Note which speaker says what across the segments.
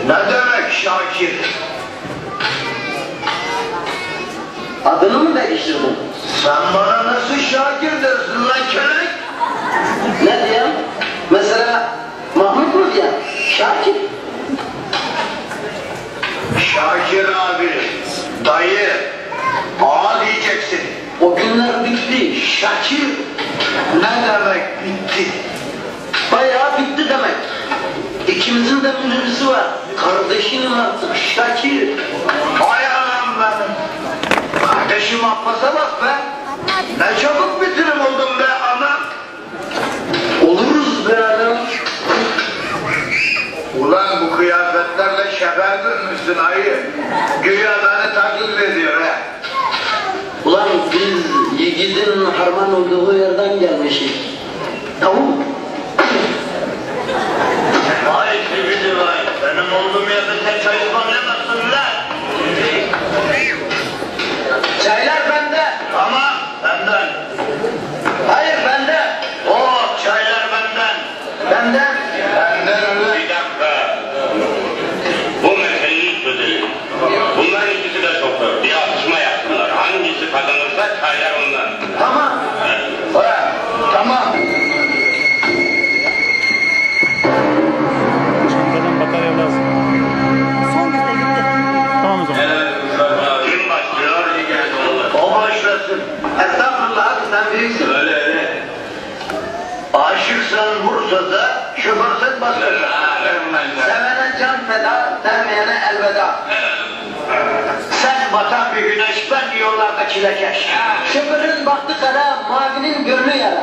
Speaker 1: Ne demek Şakir?
Speaker 2: Adını mı değiştirdin?
Speaker 1: Sen bana nasıl Şakir dersin lan kelek?
Speaker 2: Ne diyeyim? Mesela Mahmut mu diyeyim? Şakir.
Speaker 1: Şakir abi, dayı, ağa diyeceksin.
Speaker 2: O günler bitti.
Speaker 1: Şakir ne demek bitti?
Speaker 2: Bayağı bitti demek. İkimizin de minibüsü var. Kardeşinim artık Şakir.
Speaker 1: Hay anam benim. Kardeşim Abbas'a bak be. Ne çabuk bitirim oldum be anam.
Speaker 2: Oluruz be adam.
Speaker 1: Ulan bu kıyafetlerle şefer dönmüşsün ayı. Güya beni taklit ediyor he.
Speaker 2: Ulan biz yiğidin harman olduğu yerden gelmişiz. Tamam.
Speaker 1: Vay sivri vay. Benim olduğum yerde sen çay ısmarlayamazsın lan.
Speaker 2: Çaylar bende.
Speaker 1: Tamam benden.
Speaker 2: Hayır bende.
Speaker 1: Oo çaylar benden.
Speaker 2: Benden.
Speaker 1: Benden öyle.
Speaker 3: Bir dakika. Bu meseleyi çözelim. Bunların ikisi de şoför. Bir atışma yapsınlar. Hangisi kazanırsa çaylar ondan.
Speaker 2: Tamam.
Speaker 1: Ha, tamam.
Speaker 4: Çantadan batarya lazım.
Speaker 5: Son güne gitti.
Speaker 4: Tamam o zaman.
Speaker 3: Kim başlıyor?
Speaker 1: O başlasın.
Speaker 2: Estağfurullah abi sen büyüksün.
Speaker 3: Öyle.
Speaker 1: Aşıksan Bursa'da, şoförsen başlasın.
Speaker 2: Sevene can feda, sevmeyene elveda.
Speaker 1: Sen batan bir güneş, ben yollarda çilekeş.
Speaker 2: Şoförün baktı kara, mavinin gönlü yara.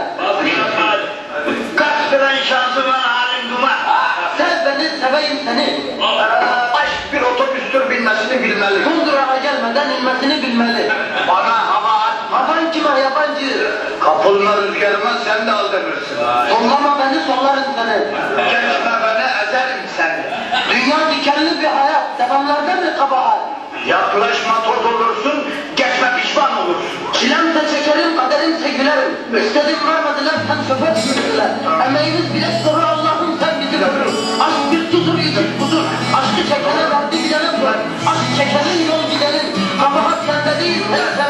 Speaker 1: Kaç fren şansıma halim duman.
Speaker 2: Sev beni, seveyim seni.
Speaker 1: Aşk bir otobüstür bilmesini bilmeli.
Speaker 2: Kundurağa gelmeden inmesini bilmeli.
Speaker 1: Bana hava at.
Speaker 2: Havan kime yabancı?
Speaker 1: Kapılma rüzgarıma sen de aldırırsın.
Speaker 2: Sollama beni, sollarım seni.
Speaker 1: Geçme beni ezerim seni.
Speaker 2: Dünya dikenli bir hayat, devamlarda mı kabahat?
Speaker 1: Yaklaşma toz olursun, geçme pişman olursun.
Speaker 2: Çilemse çekerim, kaderimse gülerim. İstedim vermediler, sen şoför sürdüler. Emeğimiz bile soru Allah'ım sen bizi görür. Aşk bir tuzur, yüzük budur. Aşkı çekene verdi gidene bırak. Aşk çekenin yol gidenin. Kabahat sende değil, sen